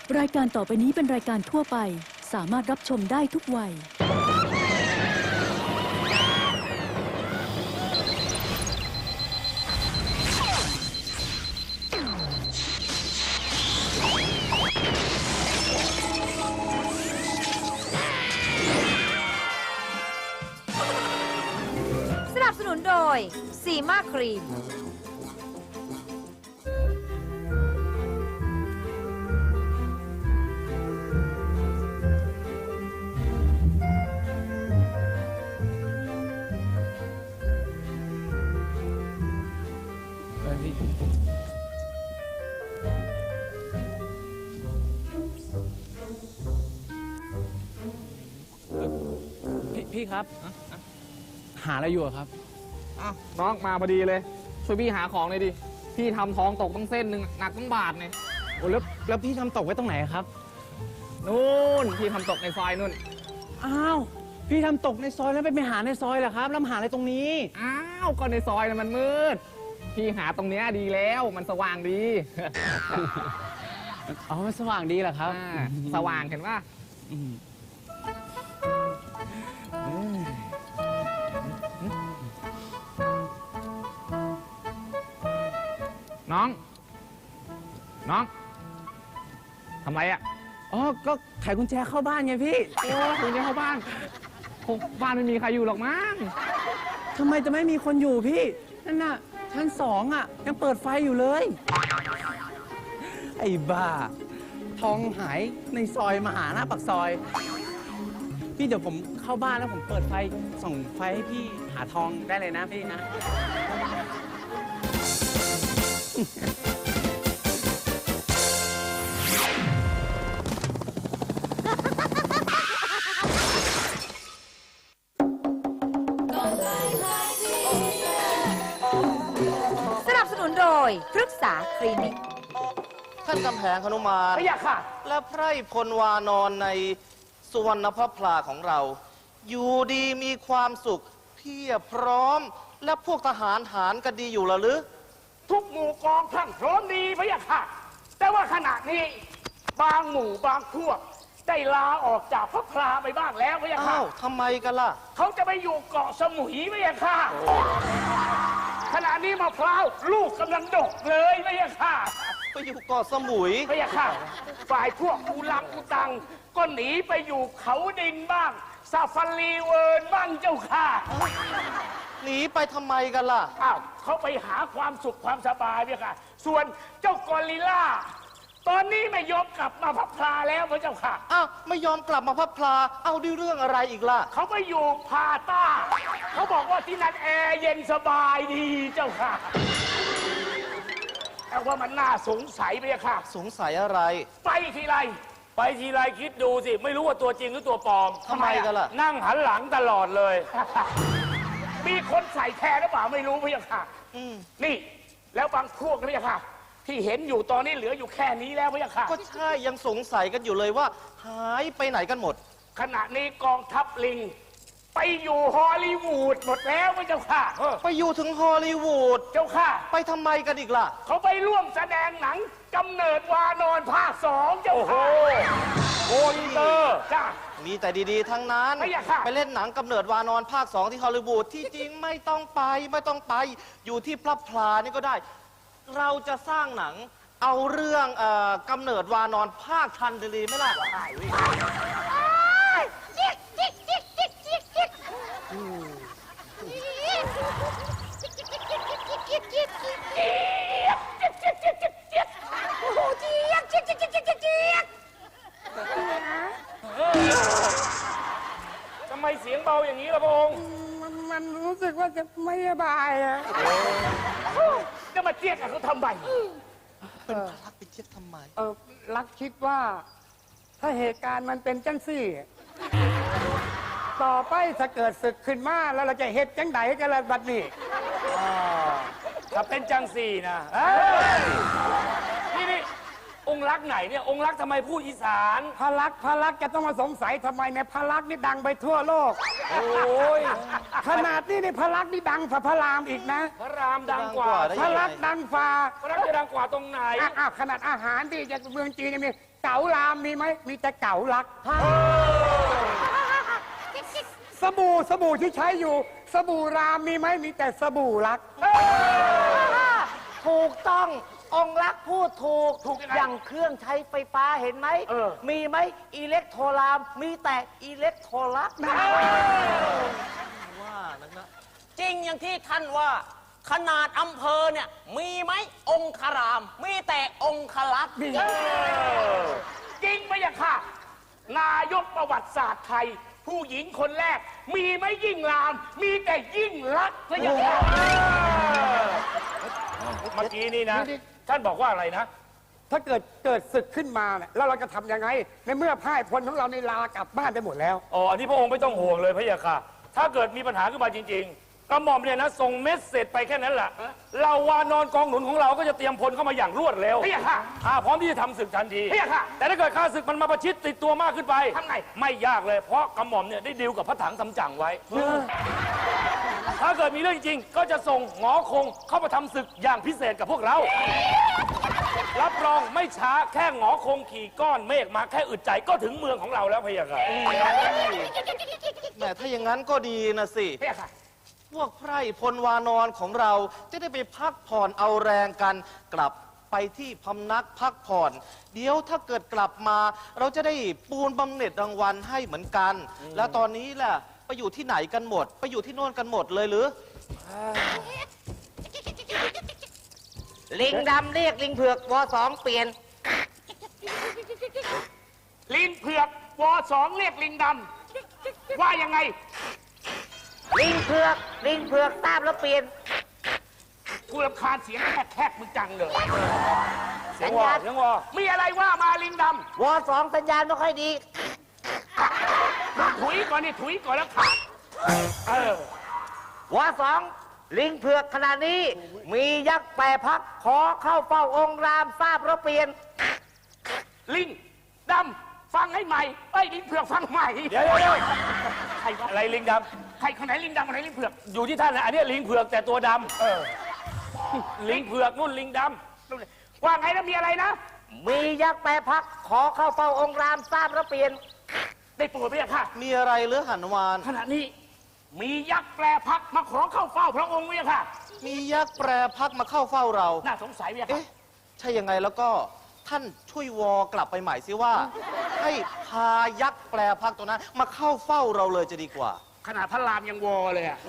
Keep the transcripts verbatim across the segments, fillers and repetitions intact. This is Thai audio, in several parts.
รายการต่อไปนี้เป็นรายการทั่วไปสามารถรับชมได้ทุกวัยสนับสนุนโดยซีมาครีมพี่พี่ครับหาอะไรอยู่ครับอ้าวน้องมาพอดีเลยช่วยพี่หาของเลยดิพี่ทำทองตกตั้งเส้นหนึ่งหนักตั้งบาทเนี่ยโอ้แล้วแล้วพี่ทำตกไว้ตรงไหนครับนู่นพี่ทำตกในซอยนู่นอ้าวพี่ทำตกในซอยแล้วไปไปหาในซอยเหรอครับแล้วมาหาอะไรตรงนี้อ้าวก็ในซอยน่ะมันมืดพี่หาตรงเนี้ยดีแล้วมันสว่างดีอ๋อมันสว่างดีเหรอครับอ่าสว่างเห็นป่ะอืมน้อง น้องทำไรอ่ะอ๋อก็ไขกุญแจเข้าบ้านไงพี่โอ้ถึงจะเข้าบ้านคงบ้านไม่มีใครอยู่หรอกมั้งทำไมจะไม่มีคนอยู่พี่นั่นน่ะชั้นสองอ่ะยังเปิดไฟอยู่เลยไอ้บ้าทองหายในซอยมาหาหน้าปากซอย พี่เดี๋ยวผมเข้าบ้านแล้วผมเปิดไฟส่องไฟให้พี่หาทองได้เลยนะพี่นะสนับสนุนโดยพฤกษาคลินิกท่านกำแพงหนุมานไม่อยากค่ะและไพร่พลวานอนในสุวรรณพระพลาของเรา อยู่ดีมีความสุขเพียบพร้อม และพวกทหารหารกันดีอยู่ละหรือทุกหมู่กองพรั่งพร้อมดีพะยะค่ะ แต่ว่าขณะนี้บางหมู่บางพวกได้ลาออกจากพระพลาไปบ้างแล้วพะยะค่ะอ้าวทำไมกันล่ะเขาจะไปอยู่เกาะสมุยพะยะค่ะ ขณะนี้มะพร้าวลูกกำลังดกเลยพะยะค่ะไปอยู่เกาะสมุยพะยะค่ะ ฝ่ายพวกอูลังอูตัง ก็หนีไปอยู่เขาดินบ้างซาฟารีเวิร์นบ้างเจ้าค่ะหนีไปทำไมกันล่ะอ้าวเขาไปหาความสุขความสบายเนี่ยค่ะ ส่วนเจ้ากอริลล่า ตอนนี้ไม่ยอมกลับมาพับพลาแล้วพระเจ้าค่ะอ้าวไม่ยอมกลับมาพระพลา เอาด้วยเรื่องอะไรอีกล่ะเขาไปอยู่พาต้า เขาบอกว่าที่นั่นแอร์เย็นสบายดีเจ้าค่ะ แต่ว่ามันน่าสงสัยไปอะค่ะสงสัยอะไรไปทีไร ไปทีไรคิดดูสิ ไม่รู้ว่าตัวจริงหรือตัวปลอมทำไมกันล่ะนั่งหันหลังตลอดเลย มีคนใส่แทนหรือเปล่าไม่รู้พี่ค่ะอืมนี่ แล้วบางพวกพี่ค่ะ ที่เห็นอยู่ตอนนี้เหลืออยู่แค่นี้แล้วพี่ค่ะก็ใช่ยังสงสัยกันอยู่เลยว่า หายไปไหนกันหมดขณะนี้กองทัพลิง ไปอยู่ฮอลลีวูดหมดแล้วพี่เจ้าค่ะไปอยู่ถึงฮอลลีวูดเจ้าค่ะไปทำไมกันอีกล่ะเขาไปร่วมแสดงหนังกำเนิดวานอนภาคสองเจ้าค่ะโอ้อินเตอร์จ้ามีแต่ดีๆ ทั้งนั้นไม่อยากค่ะไปเล่นหนังกำเนิดวานอนภาคสองที่ฮอลลีวูดที่จริงไม่ต้องไปไม่ต้องไป อยู่ที่พระพลานี่ก็ได้ เราจะสร้างหนังเอาเรื่องเออกำเนิดวานอนภาคทันดีไหมล่ะทำไมเสียงเบาอย่างนี้ล่ะพระองค์มันมันรู้สึกว่าจะไม่สบายอะจะมาเจี๊ยกกับเขาทำไมเป็นพลักไปเช็ดทำไมเออรักคิดว่า ถ้าเหตุการณ์มันเป็นจังสี่ ต่อไปถ้าเกิดศึกขึ้นมาแล้วเราจะเฮ็ดจังไดกันละบัดนี้ถ้าเป็นจังสี่นะเอ้ยนี่นี่โอองค์รักไหนเนี่ยองค์รักทำไมพูดอีสานพระลักษณ์พระลักษณ์จะต้องมาสงสัยทำไมเนี่ยพระลักษณ์นี่ดังไปทั่วโลกโอ้ยขนาดนี้นี่พระลักษณ์นี่ดังฝ่าพระรามอีกนะพระรามดังกว่าได้พยัระงไงลักษณ์ดังฝ่าพระรามจะดังกว่าตรงไหนอ่ะอ่ะขนาดอาหารที่จะเมืองจีนยังมีเก๋ารามมีไหมมีแต่เก๋าลักสบู่สบู่ที่ใช้อยู่ สบู่รามมีไหมมีแต่สบู่ลักถูกต้ององค์รักพูดถูกถูกยังไงอย่างเครื่องใช้ไฟฟ้าเห็นไหมเออมีไหมอิเล็กโทรลาม มีแต่อิเล็กโทรลักว่านักนะจริงอย่างที่ท่านว่า ขนาดอำเภอเนี่ย มีไหมองคาราม มีแต่องคลักษณ์จริงไหมอะค่ะ นายกประวัติศาสตร์ไทย ผู้หญิงคนแรก มีไหมยิ่งราม มีแต่ยิ่งรักพระยาค่ะเมื่อกี้นี่นะ ท่านบอกว่าอะไรนะถ้าเกิดเกิดศึกขึ้นมาเนี่ยแล้วเราจะทำยังไง ในเมื่อพ่ายพลของเราในลากลับบ้านไปหมดแล้วอ๋อ อันนี้พระองค์ไม่ต้องห่วงเลยพระยาค่ะ ถ้าเกิดมีปัญหาขึ้นมาจริง ๆกระหม่อมเนี่ยนะส่งเมสเสจไปแค่นั้นแหละเราวานอนกองหนุนของเราก็จะเตรียมพลเข้ามาอย่างรวดเร็วพระยาค่ะอ่าพร้อมที่จะทำศึกทันทีพระยาค่ะ แต่ถ้าเกิดข้าศึกมันมาประชิดติดตัวมากขึ้นไปทำไงไม่ยากเลย เพราะกระหม่อมเนี่ยได้ดีลกับพระถังสำจั๋งไว้ ถ้าเกิดมีเรื่องจริงก็จะส่งหงอคงเข้ามาทำศึกอย่างพิเศษกับพวกเรา รับรองไม่ช้าแค่หงอคงขี่ก้อนเมฆมาแค่อึดใจก็ถึงเมืองของเราแล้วพะยะค่ะแหมถ้าอย่างนั้นก็ดีนะสิพะยะค่ะพวกไพร่พลวานอนของเราจะได้ไปพักผ่อนเอาแรงกัน กลับไปที่พำนักพักผ่อน เดี๋ยวถ้าเกิดกลับมา เราจะได้ปูนบำเหน็จรางวัลให้เหมือนกัน แล้วตอนนี้แหละไปอยู่ที่ไหนกันหมด ไปอยู่ที่โน่นกันหมดเลยหรือลิงดำเรียกลิงเผือกวสองเปลี่ยนลิงเผือกวสองเรียกลิงดำว่ายังไงลิงเผือกลิงเผือกทราบแล้วเปลี่ยนกูรำคาญเสียงแคกๆมึงจังเลยเสียงวอเสียงวอมีอะไรว่ามาลิงดวสองสัญญาณไม่ค่อยดีำถุยก่อนนี่ถุยก่อนแล้วขาดเออวสองลิงเผือกขณะนี้ มียักษ์แปรพักขอเข้าเฝ้าองค์รามทราบแล้วเปลี่ยนลิงดำฟังให้ใหม่เอ้ยลิงเผือกฟังใหม่เดี๋ยวเดี๋ยวเดี๋ยวใครวะอะไรลิงดใครคนไหนลิงดำคนไหนลิงเผือกำอยู่ที่ท่านนะอันนี้ลิงเผือกแต่ตัวดำเออลิงเผือกนู่นลิงดว่าไงแล้วมีอะไรนะมียักษ์แปรพักขอเข้าเฝ้าองค์รามทราบแล้วเปลี่ยนได้โปรดพระยาค่ะมีอะไรหรือหันวานขณะนี้มียักษ์แปรพักมาขอเข้าเฝ้าพระองค์พระยาค่ะมียักษ์แปรพักมาเข้าเฝ้าเราน่าสงสัยพระยาค่ะเอ๊ะ ใช่ยังไงแล้วก็ท่านช่วยวอกลับไปใหม่สิว่า ให้พายักษ์แปรพักตัวนั้น มาเข้าเฝ้าเราเลยจะดีกว่าขนาดพระรามยังวอเลยอะ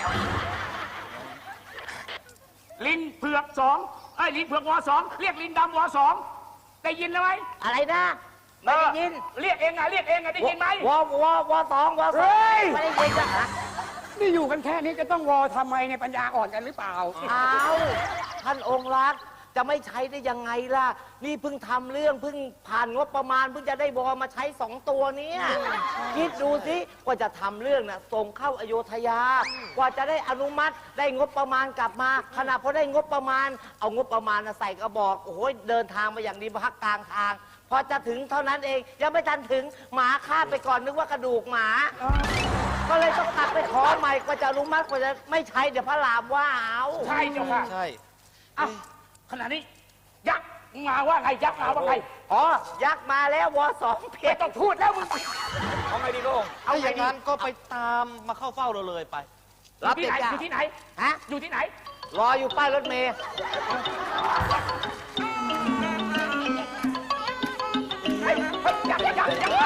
ลิงเผือกสองไอ้ยลิงเผือกวอสองเรียกลิงดำวอสองได้ยินแล้วไหมอะไรนะ ไม่ได้ยินเรียกเองอะเรียกเองอะได้ยินไหมวววสองวสเฮ้องยไม่ได้ยินจ้ะฮะนี่อยู่กันแค่นี้จะต้องวอทำไมเนี่ยปัญญาอ่อนกันหรือเปล่าอ้าวท่านองค์รักจะไม่ใช้ได้ยังไงล่ะ นี่เพิ่งทำเรื่องเพิ่งผ่านงบประมาณเพิ่งจะได้วอมาใช้สองตัวเนี้ยคิดดูสิกว่าจะทำเรื่องน่ะส่งเข้าอโยธยา กว่าจะได้อนุมัติได้งบประมาณกลับมาขณะพอได้งบประมาณ เอางบประมาณน่ะใส่กระบอกโอ้โหเดินทางมาอย่างดีพักกลางทาง พอจะถึงเท่านั้นเองยังไม่ทันถึงหมาฆ่าไปก่อนนึกว่ากระดูกหมา ก็เลยต้องกลับไปขอใหม่กว่าจะอนุมัติกว่าจะไม่ใช้เดี๋ยวพระรามว่าเอาใช่เจ้าค่ะใช่อ้าวขณะนี้ ยักษ์มาว่าไงยักษ์มาว่าไงอ๋อ ยักษ์มาแล้ววสองเพไม่ชรต้องพูดแล้วมึงำเอาไงดีโลงเอาอย่างนั้นก็ไปตามมาเข้าเฝ้าเราเลยไปอยู่ที่ไหนอยู่ที่ไหนฮะอยู่ที่ไหนรออยู่ป้ายรถเมล์เฮ้ยเฮ้ยยักษ์ยักษ์ยักษ์มา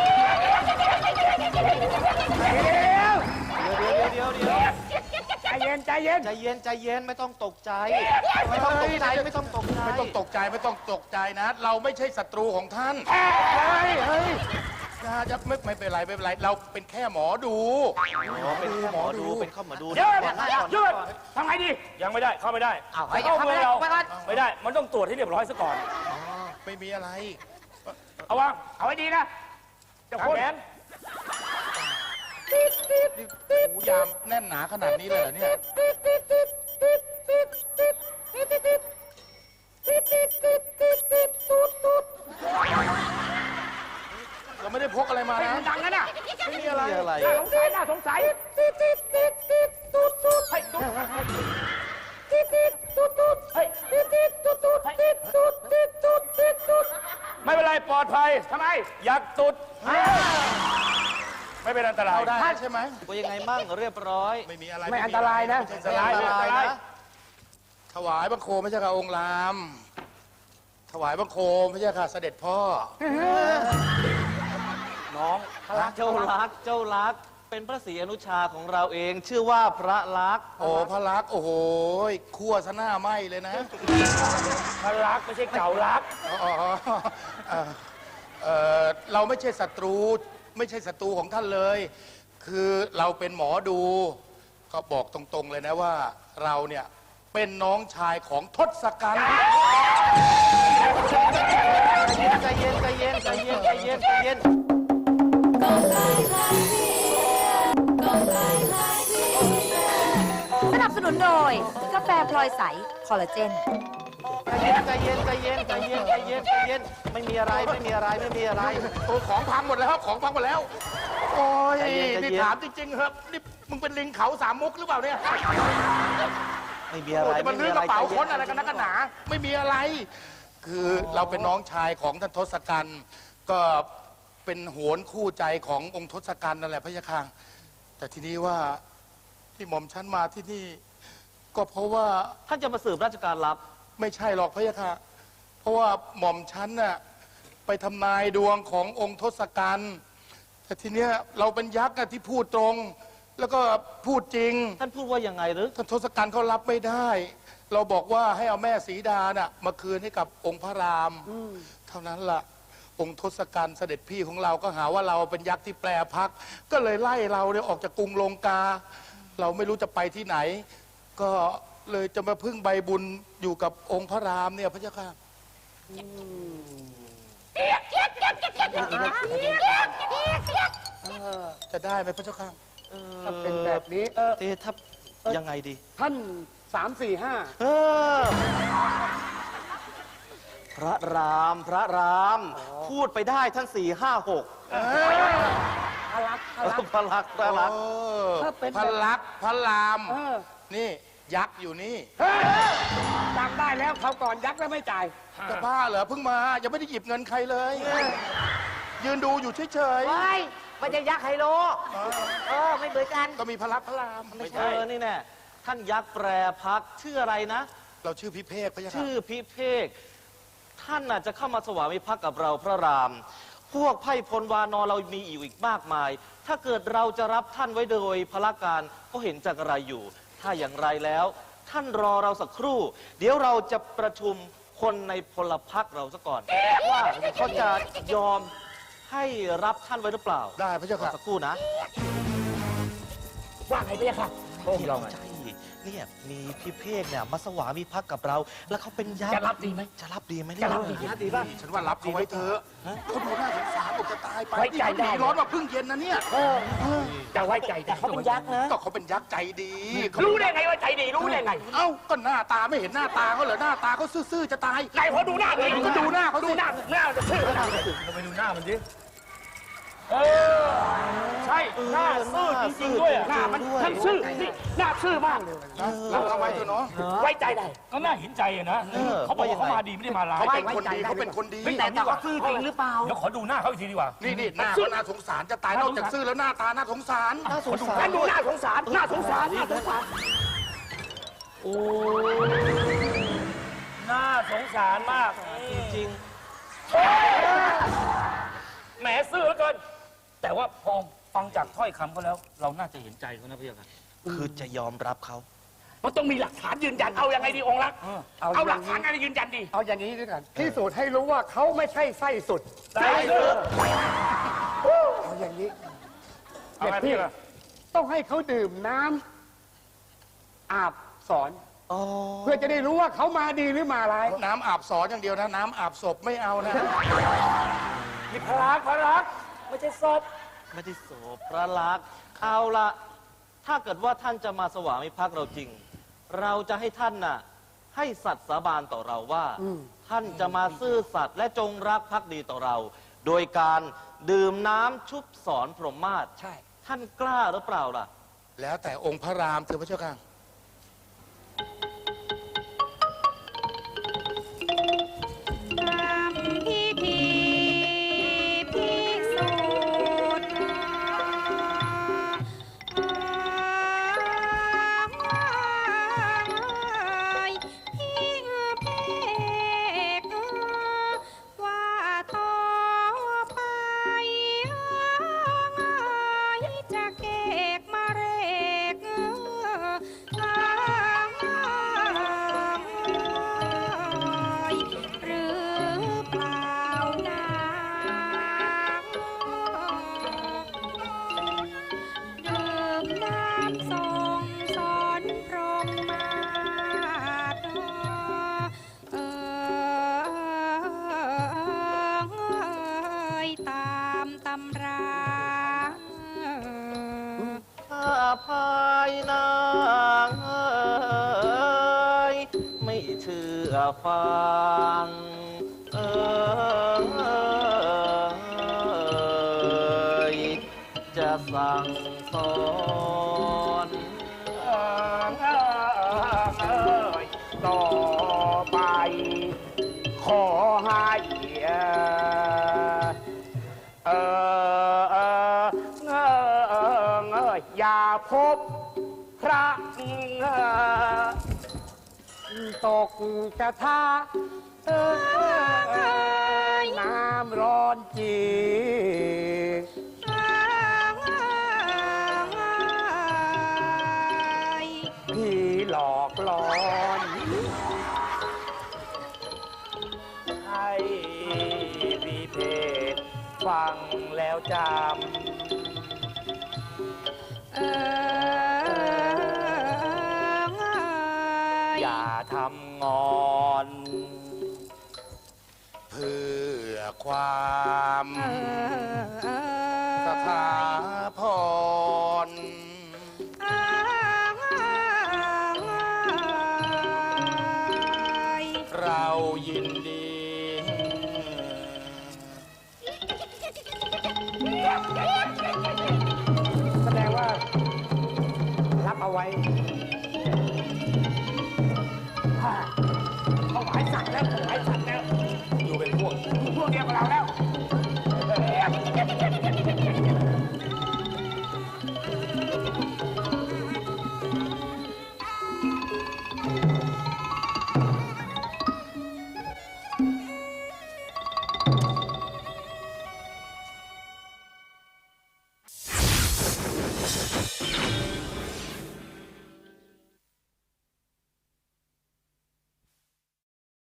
เดี๋ยวเดี๋ยวเดี๋ยวเดี๋ยวใจเย็นใจเย็นใจเย็นใจเย็นไม่ต้องตกใจ ไม่ต้องตกใจไม่ต้องตกใจไม่ต้องตกใจไม่ต้องตกใจนะ เราไม่ใช่ศัตรูของท่านเฮ้ยเฮ้ยนะจะไม่ไม่เป็นไรไม่เป็นไร เราเป็นแค่หมอดูอ๋อเป็นแค่หมอดูเป็นข้าหมอดูเดี๋ยวก่อนนะก่อนหยุดก่อนทำไงดียังไม่ได้เข้าไม่ได้เอาไปเข้าเข้าเมืไปองเราไปก่อนไม่ได้ มันต้องตรวจให้เรียบร้อยซะก่อนไม่มีอะไรเอาวางเอาไว้ดีนะเจะทางคนแขนหูยามแน่นหนาขนาดนี้เลยเหรอเนี่ยมานะดังนั้นอ่ะไม่มีอะไรมีอะไรน่าสงสัยน่าสงสัยไม่เป็นไรปลอดภัยทำไมอยากตุด ไม่เป็นอันตรายได้ใช่ไหมว่ายังไงมั่งเรียบร้อยไม่มีอะไรไม่อันตรายนะอันตรายไม่ไม่อัอันนตตราราย ยนะถวายบังคมพระเจ้าค่ะองค์ราม ถวายบังคมพระเจ้าค่ะเสด็จพ่อ น้องเจ้ารักเจ้ารักเป็นพระศรีอนุชาของเราเอง ชื่อว่าพระลักษณ์โอ้พระลักษณ์โอ้โหคั่วซะหน้าไหมเลยนะพระรักไม่ใช่เก่ารักอ๋อเอ่อเอ่อเราไม่ใช่ศัตรู ไม่ใช่ศัตรูของท่านเลย คือเราเป็นหมอดูก็บอกตรงๆเลยนะว่าเราเนี่ยเป็นน้องชายของทศกัณฐ์ใจเย็นใจเย็นใจเย็นใจเย็นใจเย็นสนับสนุนโดย กาแฟพลอยใส คอลลาเจนใจเย็นใจเย็นใจเย็นใจเย็นใจเย็นไม่มีอะไรไม่มีอะไรไม่มีอะไรโอ้ของพังหมดแล้วครับของพังหมดแล้ว โอ้ยใจเย็นใจเย็นนี่ถามจริงๆครับนี่มึงเป็นลิงเขาสามมุกหรือเปล่าเนี่ยไม่มีอะไรโอ้จะมาลื้อกระเป๋าค้นอะไรกันนักใจกันหนา ไม่มีอะไร คือเราเป็นน้องชายของท่านทศกัณฐ์ก็เป็นโหนคู่ใจขององค์ทศกัณฐ์นั่นแหละพระยาค่ะแต่ทีนี้ว่าที่หม่อมฉันมาที่นี่ ก็เพราะว่าท่านจะมาสืบราชการลับไม่ใช่หรอกพระยาค่ะเพราะว่าหม่อมฉันน่ะไปทำนายดวงขององค์ทศกัณฐ์แต่ทีเนี้ยเราเป็นยักษ์อะที่พูดตรง แล้วก็พูดจริงท่านพูดว่ายังไงหรือท่านทศกัณฐ์เขารับไม่ได้ เราบอกว่าให้เอาแม่สีดาน่ะมาคืนให้กับองค์พระรามเท่านั้นล่ะ องค์ทศกัณฐ์เสด็จพี่ของเราก็หาว่าเราเป็นยักษ์ที่แปรพัก ก็เลยไล่เราเนี่ยออกจากกรุงลงกา เราไม่รู้จะไปที่ไหน ก็เลยจะมาพึ่งใบบุญอยู่กับองค์พระรามเนี่ยพระเจ้าค่ะจะได้ไหมพระเจ้าค่ะถ้าเป็นแบบนี้เออเตทับยังไงดีท่านสามสี่ห้าเออพระรามพระราม พูดไปได้ท่านสี่ห้าหกพลักพลักพระลักษณ์พระลักษณ์เออถ้าเป็นพระลักษณ์พระรามเออนี่ยักษ์อยู่นี่เฮ้ยจำได้แล้วเขาวก่อนยักษ์แล้วไม่จ่ายจะบ้าเหรอเพิ่งมายังไม่ได้หยิบเงินใครเลย ยืนดูอยู่เฉยไม่ไม่ใช่ยักษ์ไฮโล เออ ไม่เหมือนกันๆก็มีพระลักษณ์พระรามไม่ใช่เออนี่แน่ท่านยักษ์แปรพักชื่ออะไรนะเราชื่อพิเภกพระยาค่ะชื่อพิเภกท่านน่ะจะเข้ามาสวามิภักดิ์กับเราพระราม พวกไพร่พลวานอนเรามีอยู่อีกมากมาย ถ้าเกิดเราจะรับท่านไว้โดยพละการก็เห็นจากอะไรอยู่ ถ้าอย่างไรแล้ว ท่านรอเราสักครู่ เดี๋ยวเราจะประชุมคนในพลพรรคเราซะก่อน ว่าเขาจะยอมให้รับท่านไว้หรือเปล่าได้พระเจ้าค่ะสักครู่นะว่าไงพี่ค่ะโอ้เราใช่เนี่ยมีพี่เพกเนี่ยมาสวามิภักดิ์กับเรา แล้วเขาเป็นยักษ์จะรับดีไหมจะรับดีไหมจะรับดีเนี่ยนะดีป่ะฉันว่ารับเขาไว้เถอะเขาดูน่าสงสารบอกจะตายไปไว้ใจได้นี่ร้อนมาเพิ่งเย็นนะเนี่ยจะไว้ใจแต่เขาเป็นยักษ์นะก็เขาเป็นยักษ์ใจดีเขารู้ได้ไงว่าใจดีรู้ได้ไงเอ้าก็หน้าตาไม่เห็นหน้าตาเขาเหรอหน้าตาเขาซื่อๆจะตายไหนพอดูหน้าเลยก็ดูหน้าเขาสิดูหน้าหน้าจะชื่อเราไปดูหน้ามันดิ เออ ใช่ หน้าซื่อจริงๆด้วยอะหน้ามันท่านซื่อนี่หน้าซื่อมากเลยเราเอาไว้เถอะเนาะไว้ใจได้ก็น่าเห็นใจอะนะ เขาบอกว่าเขามาดีไม่ได้มาร้ายเขาเป็นคนดีเขาเป็นคนดีแต่แต่เขาซื่อจริงหรือเปล่าเดี๋ยวขอดูหน้าเขาอีกทีดีกว่านี่นี่หน้าเขาน่าสงสารจะตายนอกจากซื่อแล้วหน้าตาน่าสงสารน่าสงสารท่านดูหน้าสงสารหน้าสงสารหน้าสงสารโอ้น่าสงสารมากจริงแหมซื่อเหลือเกิน แต่ว่าพอฟังจากถ้อยคำเขาแล้ว เราน่าจะเห็นใจเขานะพี่ค่ะๆคือจะยอมรับเขามันต้องมีหลักฐานยืนยันเอายังไงดีองค์รักเอาเอาหลักฐานอะไรยืนยันดีเอาอย่างนี้ด้วยกันที่สุดให้รู้ว่าเขาไม่ใช่ไส้สุดได้เลยเอาอย่างนี้เอาไงพี่ล่ะต้องให้เขาดื่มน้ำอาบสอนอ๋อเพื่อจะได้รู้ว่าเขามาดีหรือมาร้ายน้ำอาบสอนอย่างเดียวนะ น้ำอาบศพไม่เอานะนี่พลักพลักไม่ใช่ศพไม่ได้โสพระลักษณ์เอาละถ้าเกิดว่าท่านจะมาสวามิภักดิ์เราจริง เราจะให้ท่านน่ะให้สัตย์สาบานต่อเราว่า ท่านจะมาซื่อสัตย์และจงรักภักดีต่อเราโดยการดื่มน้ำชุบสอนพรหมมาศใช่ท่านกล้าหรือเปล่าล่ะแล้วแต่องค์พระรามเถอะพระเจ้าค่ะพิธีพิสูจน์พิเพกว่าต่อไปจะเกกมาเรกหรือเปล่านะดื่มน้ำทรงสอนพรหมมาศเอยตามตำราถ้าภายนางเอ้ยไม่เชื่อฟังเอยจะสั่งสอนต่อไป ขอให้เออเออเออเอออย่าพบพระตกกระทะเออน้ำร้อนจีพี่หลอกหลอนให้พี่เพศฟังแล้วจำเอออย่าทำงอนเพื่อความเออสถาพร เรายินดีแสดงว่า รับเอาไว้ถวายสัตว์แล้วถวายสัตว์แล้วอยู่เป็นพวกพวกเดียวกับเราแล้ว